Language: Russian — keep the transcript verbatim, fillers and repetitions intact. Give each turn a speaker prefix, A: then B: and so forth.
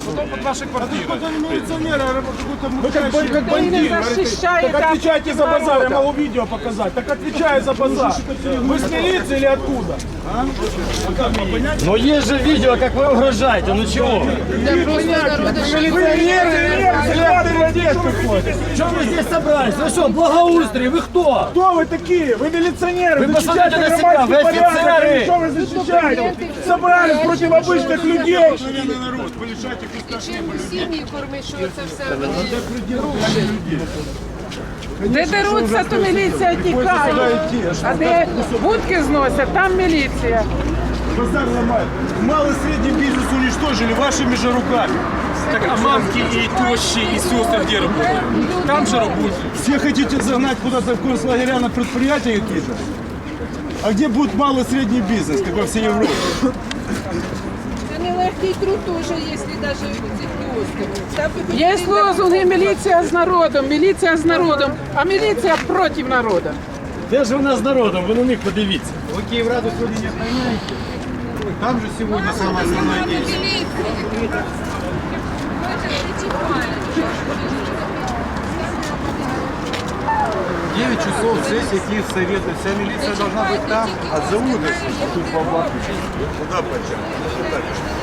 A: потом под ваши квартиры.
B: Кто-то не милиционер, а какой-то
C: Вы как, бы- как бандит. Так отвечайте за базар, я могу видео показать. Так отвечаю за базар. Вы с милиции или откуда?
D: Но есть же видео, как вы угрожаете, ну чего? Что вы здесь собрались? Вы что, благоустрие, вы кто?
C: Кто вы такие? Вы милиционеры,
D: Вы
C: защищаете
D: посмотрите на себя, вы
C: громадский порядок,
D: офицеры.
C: или что вы защищаете? Собрались против обычных людей.
E: Чим сім'ї кормить, що це все
F: Де деруться, то міліція тікає. А де будки зносять, там міліція.
B: базар ломают. Малый и средний бизнес уничтожили вашими же руками.
A: Так, а мамки и тещи, и сестры где работают? Там же работают.
B: Все хотите загнать куда-то в концлагеря на предприятия какие-то? А где будет малый и средний бизнес, как во всей Европе?
E: Це нелегкий труд теж, якщо навіть ці кіоски.
F: Є лозунги «Міліція з народом», «Міліція з народом», а міліція проти народу.
D: Де ж вона з народом? Ви на них подивіться.
B: Вы Киевраду сегодня не отменяете? Там же сегодня самое основное действие. девять часов сессия Киевсовета. Вся милиция должна быть там, а зовут их тут по блату. Куда почему?